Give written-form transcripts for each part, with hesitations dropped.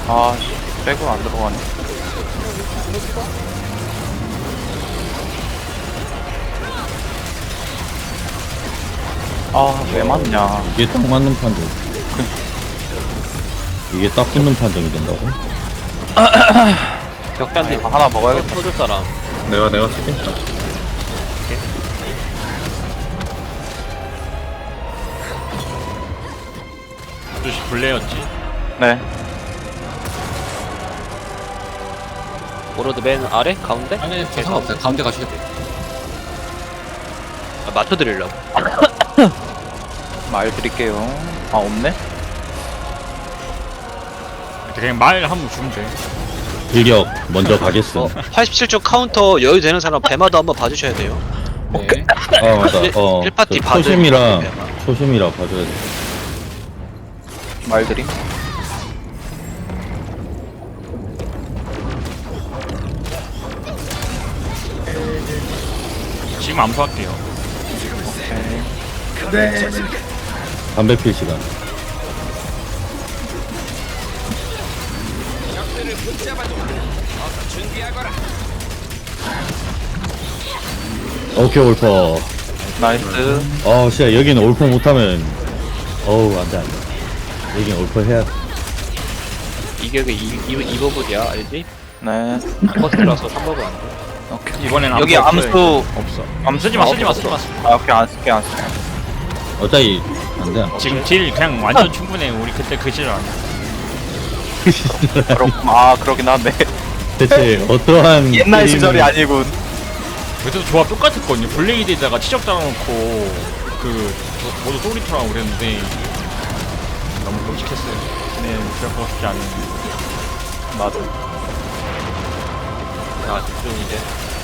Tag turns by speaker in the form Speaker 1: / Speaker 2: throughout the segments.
Speaker 1: 아, 백은 안 들어가네. 아, 왜 맞냐.
Speaker 2: 이게 딱 맞는 판정. 이게 딱 붙는 판정이 된다고?
Speaker 1: 격단지 하나 먹어야겠다.
Speaker 3: 터줄 사람.
Speaker 4: 내가 치겠다.
Speaker 5: 아저씨 블레였지.
Speaker 1: 네.
Speaker 3: 오로드 맨 아래? 가운데?
Speaker 6: 아니 상관없어요. 가운데 가셔도 돼요.
Speaker 3: 아, 맞춰드리려고.
Speaker 1: 말 드릴게요. 아, 없네?
Speaker 5: 그냥 말 한번 주면 돼.
Speaker 2: 일격 먼저 가겠음.
Speaker 3: 87초 카운터 여유 되는 사람 배마도 한번 봐주셔야 돼요.
Speaker 6: 네.
Speaker 2: 아 맞아.
Speaker 3: 일 파티
Speaker 2: 저
Speaker 3: 받을
Speaker 2: 초심이라
Speaker 3: 배마.
Speaker 2: 초심이라 봐줘야 돼.
Speaker 1: 말 드림.
Speaker 5: 지금 암수할게요.
Speaker 2: 담배 필 시간. 오케이 올퍼.
Speaker 1: 나이스.
Speaker 2: 진짜 여기는 올퍼 못하면 어우 안돼 안돼. 여기는 올퍼 해야 돼.
Speaker 3: 이게 그 2버블이야 알지?
Speaker 1: 네.
Speaker 3: 버스라서 3버블 안 돼.
Speaker 1: 오케이.
Speaker 5: 이번엔
Speaker 1: 여기
Speaker 5: 없어요,
Speaker 1: 암수.
Speaker 5: 이거. 없어. 쓰지 마, 쓰지 마, 쓰지 마.
Speaker 1: 아, 오케이, 안 쓸게, 안 쓸게.
Speaker 2: 어차피 안돼.
Speaker 5: 지금 딜 그냥 완전 충분해. 우리 그때 그 질 아니야.
Speaker 1: 그렇구나. 아, 그러긴 하네.
Speaker 2: 대체 어떠한
Speaker 1: 옛날
Speaker 2: 게임을-
Speaker 1: 시절이 아니군.
Speaker 5: 그래도 조합 똑같았거든요. 블레이드에다가 치적 달아놓고 모두 소리토라고 그랬는데 너무 끔찍했어요. 네, 기억하고 싶지 않은.
Speaker 1: 맞아.
Speaker 3: 자 집중 이제.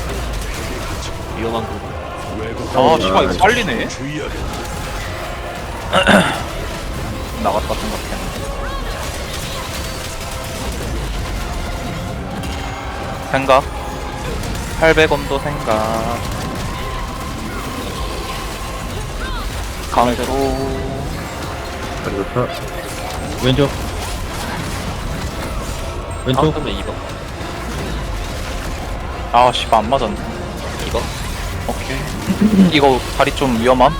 Speaker 3: 위험한 부분.
Speaker 1: 아, 씨발, 이거 빨리네. 나갔다 생각해. 생각. 800원도 생각. 가운데로.
Speaker 4: 그리고 타.
Speaker 2: 왼쪽. 왼쪽.
Speaker 3: 카운터면 2번.
Speaker 1: 아, 씨발, 안 맞았네.
Speaker 3: 2번.
Speaker 1: 오케이. 이거 다리 좀 위험함?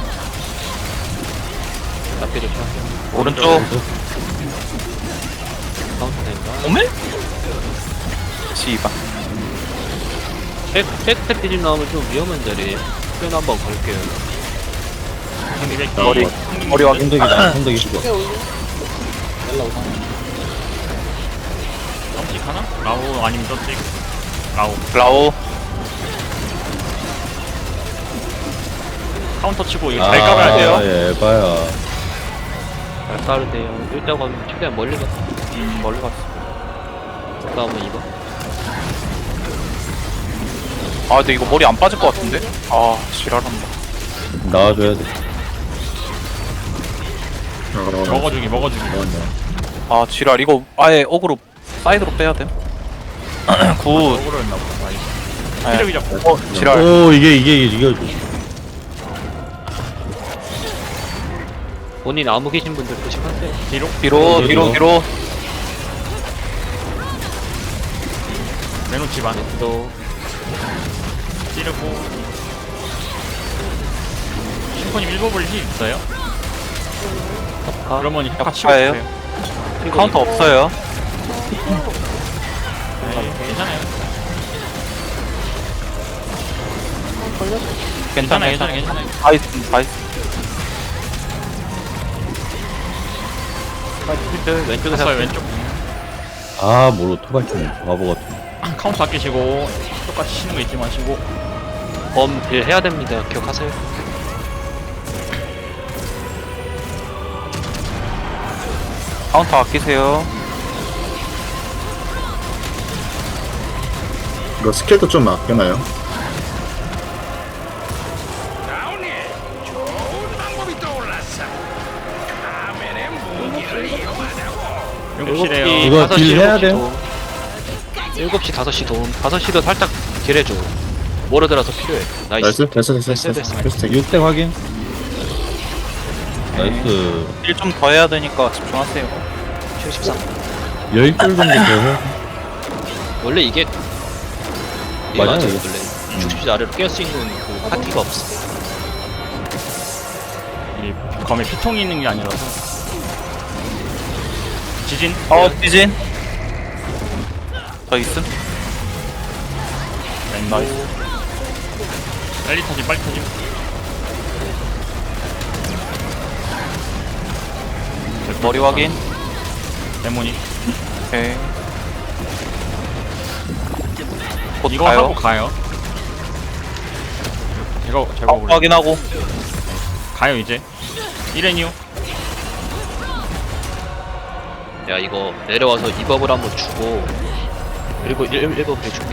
Speaker 3: 앞에 좀 생각해요.
Speaker 1: 오른쪽.
Speaker 3: 카운터 된다.
Speaker 1: 오메? 씨발.
Speaker 3: 팩 디집 나오면 좀 위험한 자리에 표현 한번 걸게요.
Speaker 1: 머리 확인.
Speaker 2: 손덕이다. 손덕이 죽어.
Speaker 5: 점찍 하나? 라우 아니면 점찍? 라우.
Speaker 1: 라오.
Speaker 5: 카운터 치고 이거 잘 깔아야 돼요.
Speaker 2: 예, 봐야.
Speaker 3: 잘 까르세요. 일단 가면 최대한 멀리 갔어.
Speaker 1: 멀리 갔어.
Speaker 3: 다음은 2번.
Speaker 1: 아, 근데 이거 머리 안 빠질 것 같은데? 아, 지랄한다.
Speaker 2: 나와줘야 돼.
Speaker 5: 먹어주기.
Speaker 1: 아, 지랄. 이거 아예 어그로 사이드로 빼야 돼. 굿.
Speaker 5: 억울했나 보다. 나이스.
Speaker 1: 네.
Speaker 5: 피력이 잡고.
Speaker 1: 지랄.
Speaker 2: 오 이게
Speaker 3: 본인 아무 계신 분들 조심하세요.
Speaker 5: 뒤로.
Speaker 1: 뒤로.
Speaker 5: 메노 집안.
Speaker 3: 또
Speaker 5: 찌르고. 슈퍼님 1버블 힐 있어요? 그러면 혁화 치고
Speaker 1: 혁화예요?
Speaker 5: 있어요.
Speaker 1: 카운터 없어요.
Speaker 5: 네, 괜찮아요.
Speaker 1: 괜찮아요.
Speaker 5: 괜찮아요.
Speaker 1: 바이스.
Speaker 3: 왼쪽에
Speaker 5: 갔어요, 왼쪽.
Speaker 2: 아 모로 토발 좀 바보 같은.
Speaker 5: 카운터 아끼시고 똑같이 치는 거 잊지 마시고.
Speaker 3: 범딜 해야 됩니다. 기억하세요.
Speaker 1: 카운터 아끼세요.
Speaker 4: 이거 스킬도 좀 아껴놔요.
Speaker 5: 욕실에요.
Speaker 2: 이거 딜 해야 돼요?
Speaker 3: 7시 5시 도움. 5시도 살짝 딜해줘. 모르더라도 필요해. 나이스.
Speaker 4: 됐어.
Speaker 3: 됐어.
Speaker 2: 6대 확인. 나이스.
Speaker 1: 일 좀 더 해야 되니까 집중하세요.
Speaker 3: 73.
Speaker 2: 10줄 정도 더 해.
Speaker 3: 원래 이게
Speaker 2: 맞아요,
Speaker 3: 맞아요.
Speaker 2: 이게.
Speaker 3: 원래 60시 아래로 깰 수 있는 그 파티가 없어.
Speaker 5: 이 검에 피통이 있는 게 아니라서. 지진.
Speaker 1: 지진. 저 있음.
Speaker 5: 나이스. 빨리 터짐, 빨리 터짐.
Speaker 1: 머리 확인.
Speaker 5: 데모닉.
Speaker 1: 오케이. 곧
Speaker 5: 이거
Speaker 1: 가요.
Speaker 5: 하고 가요. 이거 제가 볼래.
Speaker 1: 확인하고.
Speaker 5: 가요 이제. 1N 이후.
Speaker 3: 야 이거 내려와서 이법을 한번 주고 그리고 1법 해줄게.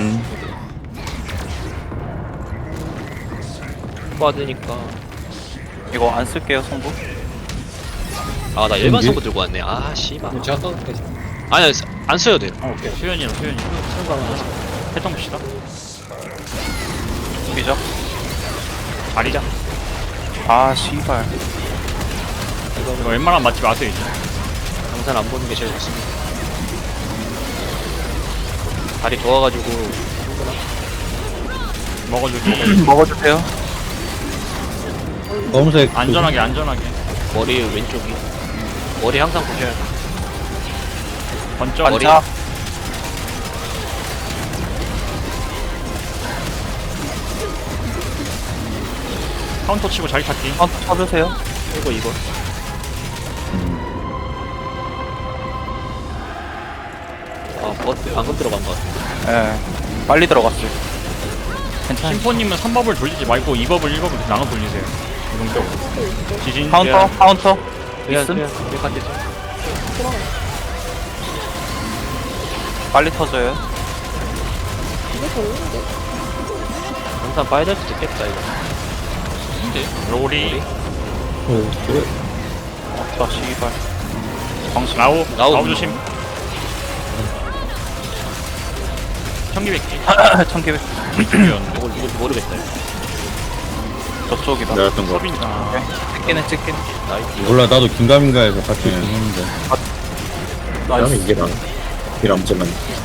Speaker 3: 받으니까.
Speaker 1: 이거 안 쓸게요 성부.
Speaker 3: 아 나 일반 선거 들고 왔네. 아 씨발.
Speaker 6: 제가 써도 되지.
Speaker 3: 아니 안 써도 돼.
Speaker 5: 오케이. 수연이랑 수연이. 해통 봅시다.
Speaker 1: 비죠.
Speaker 5: 다리자.
Speaker 1: 아 씨발.
Speaker 5: 이거 웬만하면 맞지 마세요 이제.
Speaker 3: 강산 안 보는 게 제일 좋습니다. 다리 좋아가지고
Speaker 5: 먹어주고.
Speaker 1: 먹어주세요.
Speaker 2: 검은색.
Speaker 5: 안전하게 안전하게.
Speaker 3: 머리 왼쪽이 머리 항상 보셔야 돼.
Speaker 5: 번쩍.
Speaker 3: 머리.
Speaker 1: 반차.
Speaker 5: 카운터 치고 자리 찾기.
Speaker 1: 쳐주세요.
Speaker 3: 이거 아 방금 들어간 것 같아.
Speaker 1: 예. 빨리 들어갔어요. 괜찮아요.
Speaker 5: 심포님은 3법을 돌리지 말고 2법을 1법을 나눠 돌리세요. 이동적으로. 지진.
Speaker 1: 카운터.
Speaker 3: 그냥
Speaker 1: 있음?
Speaker 3: 간대.
Speaker 1: 빨리 터져요.
Speaker 3: 강산 빠야 될 수도 있겠다 이거.
Speaker 5: 로리.
Speaker 2: 그래.
Speaker 1: 자 씨발. 방식.
Speaker 5: 라우.
Speaker 3: 라우.
Speaker 5: 라우 조심. 청기백기.
Speaker 1: 청개백.
Speaker 3: 이걸 모르겠다 이거.
Speaker 1: 저쪽이다.
Speaker 4: 내가 했던 거.
Speaker 5: 서빈. 아.
Speaker 1: 찍기는.
Speaker 3: 나이스.
Speaker 2: 몰라, 나도 긴가민가해서 같이 있긴 했는데.
Speaker 4: 그다음에 이게 나. 일 암제만.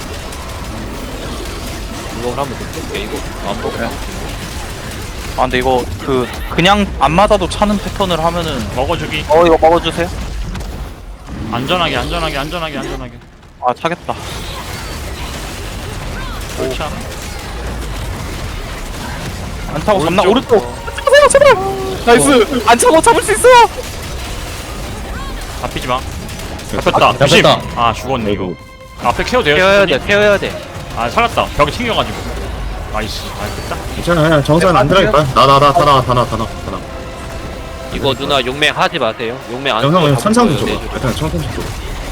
Speaker 3: 이거 한번 뜯게 이거 안 보고.
Speaker 1: 아 근데 이거 그냥 안 맞아도 차는 패턴을 하면은
Speaker 5: 먹어주기.
Speaker 1: 이거 먹어주세요.
Speaker 5: 안전하게.
Speaker 1: 아 차겠다.
Speaker 5: 옳차.
Speaker 1: 안 차고 잡나?
Speaker 5: 오른쪽.
Speaker 1: 오른쪽. 잡으세요 제발. 나이스. 안 차고 잡을 수 있어.
Speaker 5: 잡히지 마. 잡혔다. 조심.
Speaker 2: 잡혔다.
Speaker 5: 아 죽었네 이거. 앞에 케어 돼요.
Speaker 3: 케어해야
Speaker 5: 심포님?
Speaker 3: 돼. 케어해야 돼.
Speaker 5: 아 살았다. 벽에 튕겨가지고. 나이스. 아 됐다.
Speaker 4: 괜찮아, 그냥 정산 안 들어갈까? 다 나와.
Speaker 3: 이거 누나 용맹 하지 마세요. 용맹 안.
Speaker 4: 영상 그냥
Speaker 3: 쓰고
Speaker 4: 천상도
Speaker 3: 잡고
Speaker 4: 줘봐.
Speaker 3: 내줘.
Speaker 4: 일단 천상 줘.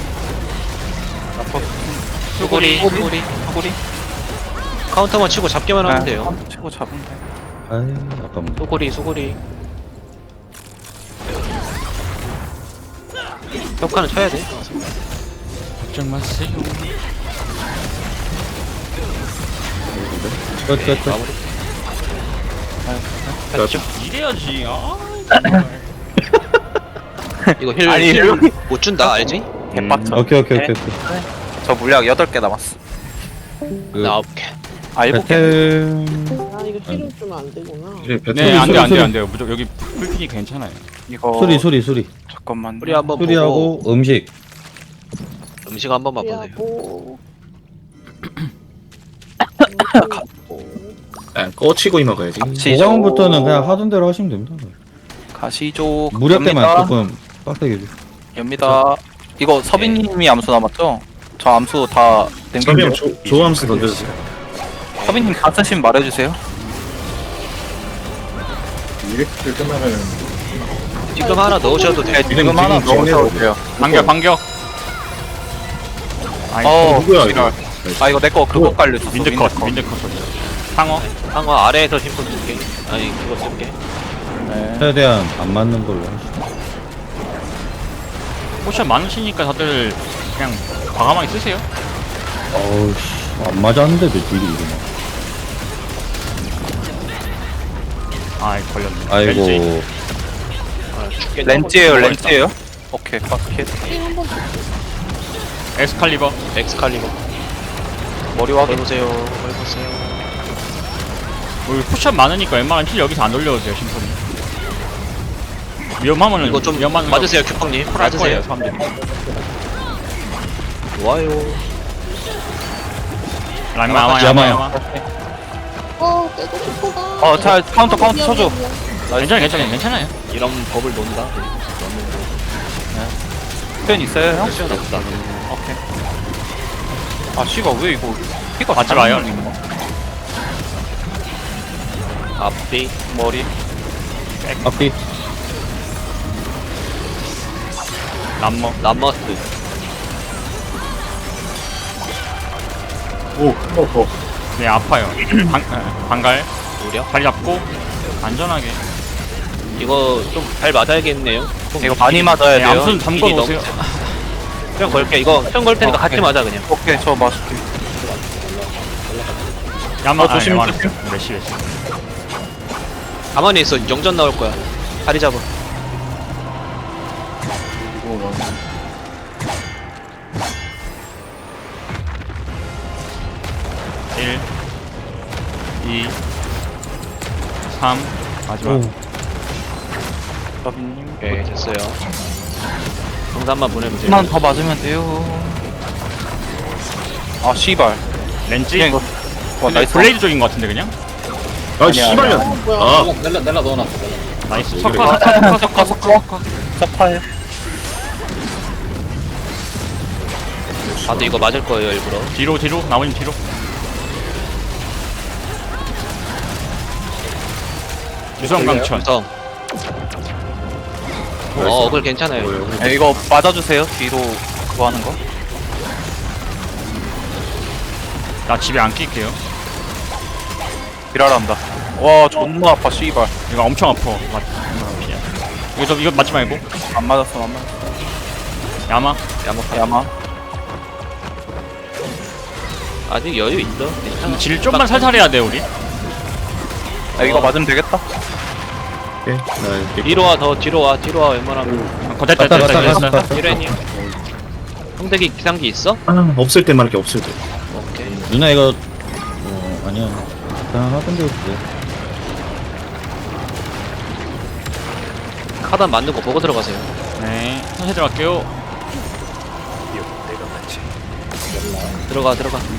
Speaker 3: 수고리.
Speaker 1: 소구리.
Speaker 3: 카운터만 치고 잡기만 하면 돼요.
Speaker 1: 한 치고 잡으면 돼.
Speaker 2: 아이, 아깝네.
Speaker 3: 소고리. 효과는 쳐야 돼.
Speaker 5: 걱정 마세요.
Speaker 2: 끝.
Speaker 3: 마무리.
Speaker 4: 그렇죠.
Speaker 5: 이래야지. 아.
Speaker 3: 이거 힐
Speaker 1: 아니,
Speaker 3: 못 준다 알지?
Speaker 1: 개빡쳐.
Speaker 2: 오케이.
Speaker 1: 저 물약 8개 남았어.
Speaker 3: 나 9개.
Speaker 1: 아 7개.
Speaker 2: 배틀.
Speaker 7: 아 이거 힐을 주면 안 되구나.
Speaker 4: 이제 배틀.
Speaker 5: 네, 안
Speaker 2: 소리.
Speaker 5: 돼요. 무조건 여기 풀핀이 괜찮아요.
Speaker 1: 이거
Speaker 2: 수리.
Speaker 1: 잠깐만.
Speaker 3: 우리 한번 보고
Speaker 2: 수리하고 음식.
Speaker 3: 음식 한 번만 보세요.
Speaker 7: 하고
Speaker 4: 꺼치고 이 먹어야지.
Speaker 2: 보강부터는 그냥 하던 대로 하시면 됩니다.
Speaker 1: 가시죠.
Speaker 2: 무력 때만
Speaker 1: 엽니다.
Speaker 2: 조금 빡세게 줘.
Speaker 1: 엽니다. 이거 서빈님이 암수 남았죠? 저 암수 다
Speaker 4: 서비형
Speaker 1: 냉동이요.
Speaker 4: 조함수 던져주세요.
Speaker 1: 서빈님 다 쓰시면 말해주세요.
Speaker 4: 이렇게 끝나면
Speaker 3: 지금 하나 넣으셔도 돼.
Speaker 1: 지금 하나
Speaker 4: 지금
Speaker 1: 넣으셔도 돼요.
Speaker 5: 반격. 아이,
Speaker 4: 누구야,
Speaker 1: 지랄.
Speaker 4: 이거?
Speaker 1: 아 이거 내 거 그거 깔렸어.
Speaker 5: 민드컷 소리. 상어.
Speaker 3: 상어 아래에서 심포 쓸게. 아니 그거 쓸게.
Speaker 1: 네.
Speaker 2: 최대한 안 맞는 걸로 하시죠.
Speaker 5: 포션 많으시니까 다들 그냥 과감하게 쓰세요.
Speaker 2: 어우, 씨. 안 맞았는데도 딜이 이러나.
Speaker 5: 아이 걸렸네.
Speaker 2: 아이고.
Speaker 5: 렌즈.
Speaker 3: 아, 죽겠네.
Speaker 1: 렌즈예요. 오케이. 빡켓.
Speaker 7: 힐한번
Speaker 5: 엑스칼리버.
Speaker 3: 엑스칼리버.
Speaker 1: 머리 확인.
Speaker 3: 보세요. 보세요.
Speaker 5: 우리 쿠션 많으니까 웬만하면 힐 여기서 안 올려도 돼요, 심포니. 위험하면은
Speaker 3: 이거 좀
Speaker 5: 위험한
Speaker 3: 맞으세요, 큐펑님.
Speaker 5: 할 거예요,
Speaker 3: 맞으세요.
Speaker 5: 사람들이.
Speaker 3: 좋아요.
Speaker 5: 야마.
Speaker 7: 깨고 싶어가.
Speaker 1: 자, 카운터 쳐줘.
Speaker 5: 괜찮아요.
Speaker 3: 이런 법을 논다.
Speaker 1: 펜 있어요, 형?
Speaker 3: 시간 없다.
Speaker 1: 오케이. 아, 씨가 왜 이거 피가
Speaker 5: 맞지
Speaker 1: 잘
Speaker 5: 마요.
Speaker 1: 안 눌리는 거야?
Speaker 3: 앞뒤.
Speaker 1: 머리.
Speaker 2: 앞뒤.
Speaker 5: 남머.
Speaker 3: 남머스.
Speaker 5: 네, 아파요. 방갈.
Speaker 3: 무려.
Speaker 5: 다리 잡고 안전하게.
Speaker 3: 이거 좀 잘 맞아야겠네요.
Speaker 1: 이거 많이 맞아야
Speaker 5: 네,
Speaker 1: 돼요.
Speaker 5: 암순 잠궈
Speaker 3: 힐이
Speaker 5: 놓으세요.
Speaker 3: 수영 걸게. 이거 수영 걸 테니까 같이 맞아 그냥.
Speaker 1: 오케이, 저 맞을게.
Speaker 5: 야마
Speaker 1: 조심,
Speaker 5: 야마.
Speaker 1: 조심.
Speaker 5: 메시.
Speaker 3: 가만히 있어. 영전 나올 거야. 다리 잡아.
Speaker 5: 일, 2, 3 마지막.
Speaker 1: 서빈님.
Speaker 3: 오케이 됐어요. 정산만 보내면 돼요.
Speaker 1: 한번 더 맞으면 돼요. 아, 씨발.
Speaker 5: 렌즈.
Speaker 1: 그냥 이거. 와,
Speaker 5: 근데
Speaker 1: 나이스.
Speaker 5: 블레이드 쪽인 것 같은데 그냥.
Speaker 4: 아 씨발년. 아
Speaker 6: 넬라 넣어놨어.
Speaker 5: 나이스.
Speaker 1: 석화. 석화해.
Speaker 3: 아 근데 이거 맞을 거예요 일부러.
Speaker 5: 뒤로 나머지 뒤로. 유성 강천.
Speaker 3: 성. 어글 괜찮아요.
Speaker 1: 이거 맞아주세요. 뒤로 그거 하는 거.
Speaker 5: 나 집에 안 낄게요.
Speaker 1: 지랄한다. 와, 존나 아파, 씨발.
Speaker 5: 이거 엄청 아파. 이거 맞지 말고.
Speaker 1: 안 맞았어.
Speaker 5: 야마.
Speaker 1: 야마.
Speaker 3: 아직 여유 있어. 괜찮아.
Speaker 5: 질 좀만 살살 해야 돼 우리.
Speaker 1: 이거 맞으면 되겠다.
Speaker 4: 오케이. 나
Speaker 3: 뒤로 와. 더 뒤로 와. 뒤로 와. 웬만하면.
Speaker 2: 갔다.
Speaker 3: 이래님. 형대기 기상기 있어?
Speaker 4: 없을 때만 이렇게 없을 때.
Speaker 3: 오케이.
Speaker 2: 누나 이거 아니야. 그냥 하던데 뭐.
Speaker 3: 하단 맞는 거 보고 들어가세요.
Speaker 5: 네. 천천히 들어갈게요.
Speaker 3: 들어가.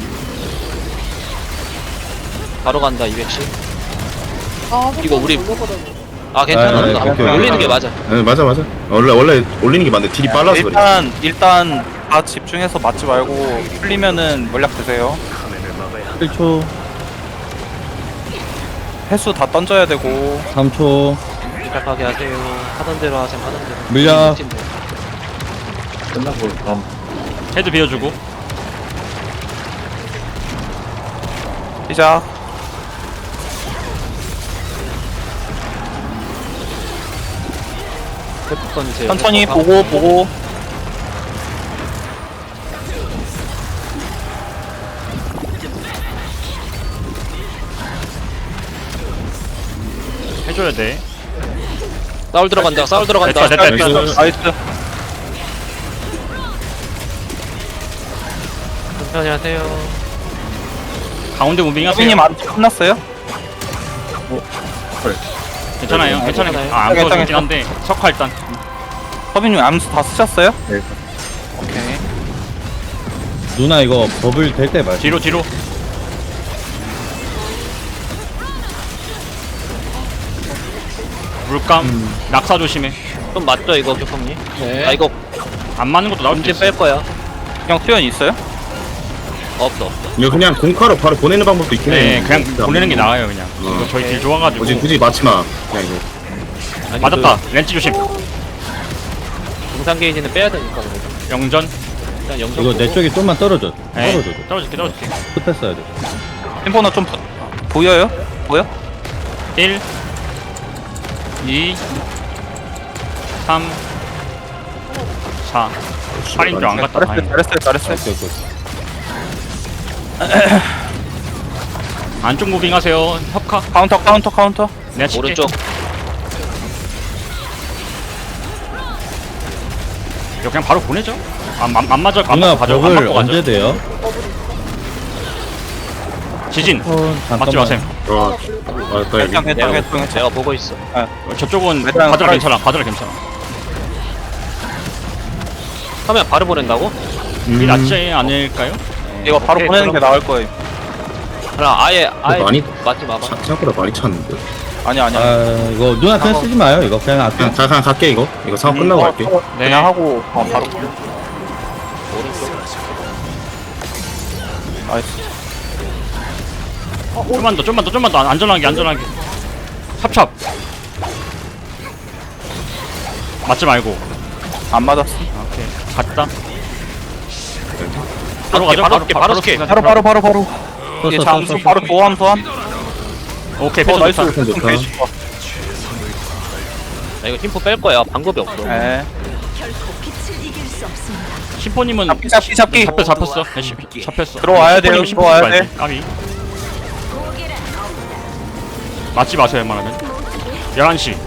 Speaker 3: 바로 간다 210. 이거 우리- 아 괜찮아.
Speaker 2: 아, 네, 오케이,
Speaker 3: 올리는 게 맞아.
Speaker 4: 네, 맞아. 원래 올리는 게 맞는데 딜이 빨라서 그래.
Speaker 1: 일단 다 집중해서 맞지 말고 풀리면은 물약 드세요.
Speaker 2: 1초,
Speaker 1: 횟수 다 던져야 되고.
Speaker 2: 3초.
Speaker 3: 시작하게 하세요. 하던 대로 하세요. 하던 대로.
Speaker 2: 물약.
Speaker 5: 헤드 비워주고.
Speaker 1: 시작.
Speaker 3: 회복 던지세요.
Speaker 1: 천천히
Speaker 3: 회복.
Speaker 1: 보고.
Speaker 5: 해줘야 돼.
Speaker 3: 싸울 들어간다. 싸울 들어간다.
Speaker 5: 됐다.
Speaker 1: 나이스.
Speaker 3: 천천히 하세요.
Speaker 5: 가운데 무빙 하세요.
Speaker 1: 서빈님 안 끝났어요?
Speaker 5: 괜찮아요.
Speaker 3: 괜찮아요.
Speaker 5: 아, 안
Speaker 1: 괜찮아요.
Speaker 5: 보여주긴 한데 석화 일단.
Speaker 1: 서빈님 암수 다 쓰셨어요?
Speaker 4: 네.
Speaker 1: 오케이.
Speaker 2: 누나 이거 버블 될 때 말.
Speaker 5: 뒤로. 물감. 낙사 조심해.
Speaker 3: 좀 맞죠 이거 교통님?
Speaker 6: 네.
Speaker 3: 아 이거
Speaker 5: 안 맞는 것도 나올 수
Speaker 3: 문제
Speaker 5: 있어.
Speaker 3: 뺄 거야.
Speaker 1: 형 수연 있어요?
Speaker 3: 없어.
Speaker 4: 이거 그냥 공카로 바로 보내는 방법도 있긴 해.
Speaker 5: 네, 그냥 보내는 게 나아요 그냥. 이거 저희 딜 좋아가지고.
Speaker 4: 굳이 맞지 마. 그냥 이거.
Speaker 3: 아니,
Speaker 5: 맞았다. 렌즈 조심.
Speaker 3: 동상 게이지는 빼야 되니까 그래도.
Speaker 5: 영전.
Speaker 3: 일단 영상
Speaker 2: 이거 내
Speaker 3: 보고.
Speaker 2: 쪽이 좀만 떨어져.
Speaker 5: 네.
Speaker 2: 떨어져.
Speaker 5: 떨어질게.
Speaker 2: 급했어야 돼.
Speaker 1: 템포너 좀 보여요? 보여?
Speaker 5: 1 2 3 4 8인 줄안 갔다. 다행이다.
Speaker 1: 잘했어요.
Speaker 2: 오케이, 오케이.
Speaker 5: 안쪽 무빙 하세요. 협카.
Speaker 1: 카운터.
Speaker 5: 내가 칠게.
Speaker 3: 오른쪽.
Speaker 5: 이거 그냥 바로 보내죠. 안 맞아.
Speaker 2: 누나
Speaker 5: 가져. 안
Speaker 2: 벽을
Speaker 5: 맞고 가죠.
Speaker 2: 언제 돼요?
Speaker 5: 지진.
Speaker 2: 잠깐만.
Speaker 5: 맞지 마셈.
Speaker 4: 아까 여기
Speaker 1: 괜찮.
Speaker 3: 내가 보고 있어.
Speaker 5: 저쪽은
Speaker 1: 일단
Speaker 5: 가져라
Speaker 1: 살아있-
Speaker 5: 괜찮아. 가져라 괜찮아.
Speaker 3: 하면 바로 보낸다고?
Speaker 5: 이 낫지 않을까요?
Speaker 1: 이거 바로
Speaker 3: 오케이,
Speaker 1: 보내는 게
Speaker 3: 그럼.
Speaker 1: 나을 거예요.
Speaker 3: 그럼 아예
Speaker 4: 많이-
Speaker 3: 맞지 마봐.
Speaker 4: 생각보다 많이 찼는데.
Speaker 1: 아니야.
Speaker 2: 아 이거 누나 그냥 쓰지 마요. 이거 그냥 아껴.
Speaker 4: 그냥 갈게 이거. 이거 상황 끝나고 갈게.
Speaker 5: 네.
Speaker 1: 그냥 하고 바로.
Speaker 3: 오른쪽.
Speaker 1: 나이스.
Speaker 5: 좀만 더 안전하게. 찹찹. 맞지 말고.
Speaker 1: 안 맞았어.
Speaker 5: 오케이. 갔다.
Speaker 3: 바로
Speaker 5: 가죠.
Speaker 3: 바로 스케.
Speaker 1: 바로. 이게 장수 바로 보함 소환.
Speaker 5: 오케이.
Speaker 1: 어
Speaker 5: 패스
Speaker 1: 나이스.
Speaker 5: 좋다.
Speaker 4: 좋다.
Speaker 1: 개 좋아.
Speaker 3: 나 이거 팀포 뺄 거야. 방법이 없어.
Speaker 1: 네.
Speaker 5: 심포님은
Speaker 1: 잡기.
Speaker 5: 잡혔어. 네, 잡혔어.
Speaker 1: 들어와야 돼요,
Speaker 5: 심포님
Speaker 1: 들어와야
Speaker 5: 말지.
Speaker 1: 돼.
Speaker 5: 까비. 맞지 마세요, 웬만하면. 11시.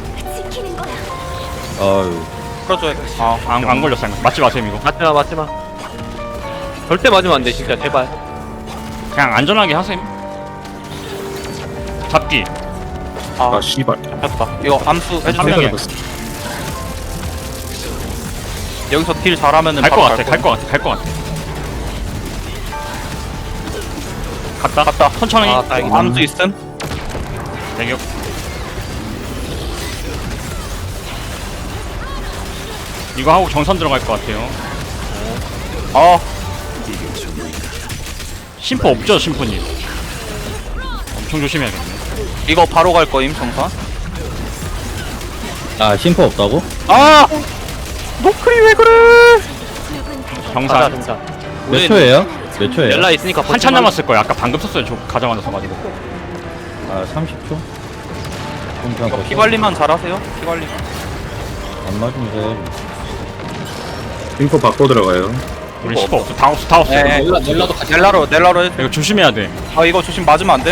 Speaker 2: 어유.
Speaker 1: 풀어줘야 돼. 아,
Speaker 5: 안 걸렸어. 맞지 마세요, 이거.
Speaker 3: 맞지 마. 절대 맞으면 안 돼, 진짜. 제발.
Speaker 5: 그냥 안전하게 하셈. 잡기.
Speaker 4: 아 씨발.
Speaker 1: 잡혔다. 이거 암수
Speaker 5: 한
Speaker 1: 해주세요.
Speaker 5: 명에.
Speaker 1: 여기서 딜 잘하면은
Speaker 5: 갈 것
Speaker 1: 바로
Speaker 5: 같아. 갈 것 같아. 갔다. 천천히.
Speaker 3: 아, 다행이다.
Speaker 1: 암수 있음?
Speaker 5: 대격. 이거 하고 정선 들어갈 것 같아요.
Speaker 1: 어,
Speaker 5: 심포 없죠, 심포님. 엄청 조심해야겠네.
Speaker 1: 이거 바로 갈 거임, 정선.
Speaker 2: 아 심포 없다고?
Speaker 1: 아! 노크리 왜 그래?
Speaker 5: 정산.
Speaker 2: 몇 초예요? 몇 초예요?
Speaker 3: 렐라 있으니까
Speaker 5: 한참 남았을 거예요. 아까 방금 썼어요. 저 가자마자 가지고.
Speaker 2: 아 30초? 그럼 그냥
Speaker 1: 이거
Speaker 2: 걷자.
Speaker 1: 피 관리만 잘하세요. 피 관리.
Speaker 2: 안 맞으면 돼.
Speaker 4: 인포 바꿔 들어가요.
Speaker 5: 우리 심포 없어. 다 없어.
Speaker 1: 네.
Speaker 6: 넬라도 같이.
Speaker 1: 넬라로 해.
Speaker 5: 이거 조심해야 돼.
Speaker 1: 아, 이거 조심 맞으면 안 됨?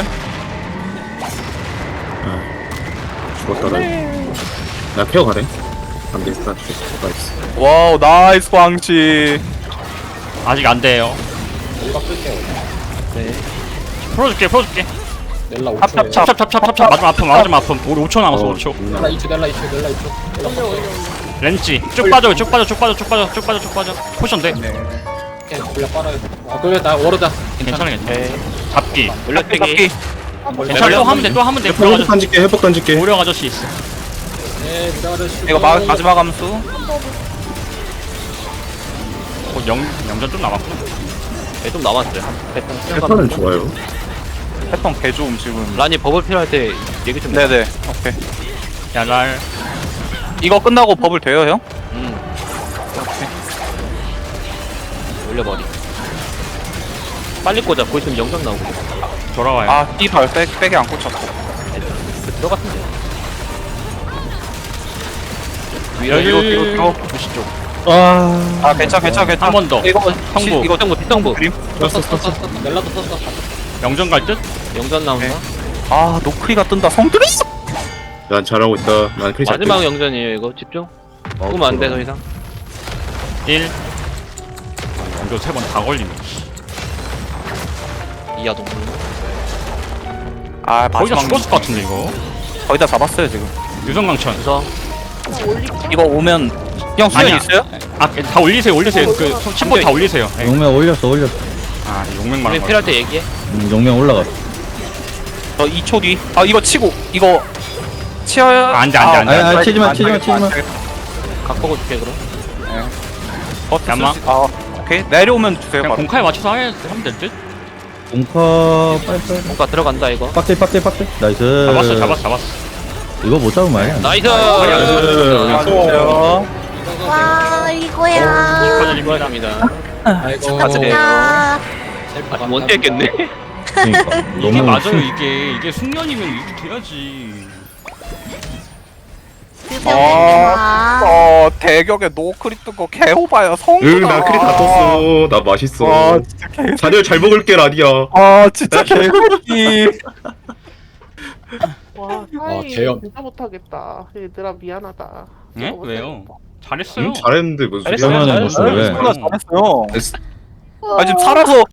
Speaker 4: 죽었다 나 케어 가래. 안 되겠다. 죽었다 있어.
Speaker 1: 와우, 나이스 광치.
Speaker 5: 아직 안 돼요.
Speaker 6: 넬라 쓸게요.
Speaker 5: 풀어줄게.
Speaker 6: 넬라 5초에요.
Speaker 1: 찹찹찹.
Speaker 5: 맞으면 아픔. 우리 5초 남았어. 5초.
Speaker 6: 넬라 2초. 넬라 2초.
Speaker 5: 렌치. 쭉 빠져. 포션 돼.
Speaker 6: 넬라 빨아요. 아 그래 나 워르다.
Speaker 5: 괜찮아. 잡기.
Speaker 1: 연락대기.
Speaker 5: 괜찮아. 또 하면 돼.
Speaker 4: 회복 던질게. 회복 던질게.
Speaker 5: 오령 아저씨 있어.
Speaker 6: 네 들어가자.
Speaker 1: 이거 마지막 암수.
Speaker 5: 영전 좀 남았구나.
Speaker 3: 네, 좀 남았어요.
Speaker 4: 패턴은 좋아요.
Speaker 1: 패턴 개 좋음, 지금.
Speaker 3: 란이 버블 필요할 때 얘기 좀 해.
Speaker 1: 네네. 오케이.
Speaker 5: 야랄.
Speaker 1: 이거 끝나고 버블 돼요, 형?
Speaker 3: 올려버리. 빨리 꽂아. 곧 있으면 영상 나오고.
Speaker 5: 돌아와요.
Speaker 1: 아, 띠발 백에 안 꽂혔어.
Speaker 3: 들어갔는데.
Speaker 1: 뒤로.
Speaker 5: 부시 쪽.
Speaker 1: 아, 괜찮아.
Speaker 5: 한 번 더.
Speaker 1: 이거
Speaker 5: 성부.
Speaker 1: 이거
Speaker 3: 뒷정부.
Speaker 1: 그림?
Speaker 6: 썼어. 넬라도 썼어.
Speaker 5: 영전 갈 듯?
Speaker 3: 영전 나온다.
Speaker 1: 아, 노크리가 뜬다. 성들이.
Speaker 4: 난 잘하고 있다. 난 크리 잘
Speaker 3: 마지막 영전이에요, 이거. 집중. 죽으면 안 돼, 더 이상.
Speaker 5: 1. 영전 3번 다 걸리네.
Speaker 3: 이하 동물.
Speaker 1: 아,
Speaker 5: 거의 다
Speaker 1: 마지막
Speaker 5: 죽었을 것 같은데 이거.
Speaker 1: 거의 다 잡았어요, 지금.
Speaker 5: 유성강천.
Speaker 3: 그래서
Speaker 1: 이거 오면 형 수연
Speaker 5: 아니야.
Speaker 1: 있어요?
Speaker 5: 다 올리세요. 그 심포 다 올리세요. 예.
Speaker 2: 용맹 올렸어.
Speaker 5: 아, 용맹
Speaker 3: 우리
Speaker 5: 말한
Speaker 3: 필요할
Speaker 5: 거.
Speaker 3: 때 얘기해.
Speaker 2: 용맹 올라갔어.
Speaker 1: 저 2초 뒤. 아, 이거 치고 이거 치어야.
Speaker 5: 안 돼.
Speaker 2: 아, 치지 마.
Speaker 3: 각 보고 줄게, 그럼.
Speaker 5: 야마.
Speaker 1: 아, 오케이. 내려오면 주세요.
Speaker 5: 그냥
Speaker 1: 바로.
Speaker 5: 공카에 맞춰서 하면 될 듯?
Speaker 2: 공커 빨리.
Speaker 3: 뭔가 들어간다, 이거.
Speaker 2: 빡대. 나이스.
Speaker 5: 잡았어.
Speaker 2: 이거 못 잡으면 말이야.
Speaker 3: 나이스!
Speaker 1: 안녕하세요.
Speaker 8: 와 이거야.
Speaker 5: 축하드립니다.
Speaker 6: 아이고.
Speaker 1: 축하드려요.
Speaker 8: 아,
Speaker 3: 원대 했겠네.
Speaker 2: 그러니까
Speaker 5: 이게
Speaker 2: 너무
Speaker 5: 맞아요. 이게 숙련이면 이렇게 돼야지.
Speaker 1: 대격에 노크리 뜬거 개호바야. 성구다.
Speaker 4: 나 크리 다 떴어. 나 맛있어.
Speaker 1: 와, 진짜 개.
Speaker 4: 자리를 잘 먹을게 라디야.
Speaker 1: 아, 진짜 개새끼.
Speaker 7: 와, 사이
Speaker 6: 개연.
Speaker 7: 진짜 못하겠다. 얘들아 미안하다.
Speaker 5: 네?
Speaker 7: 진짜
Speaker 5: 왜요?
Speaker 7: 못하겠다.
Speaker 5: 잘했어요.
Speaker 4: 잘했는데 무슨
Speaker 1: 잘했어요.
Speaker 4: 소리야.
Speaker 2: 그러면은 무슨 왜?
Speaker 1: 잘했어요.
Speaker 4: 됐어.
Speaker 1: 아 지금 살아서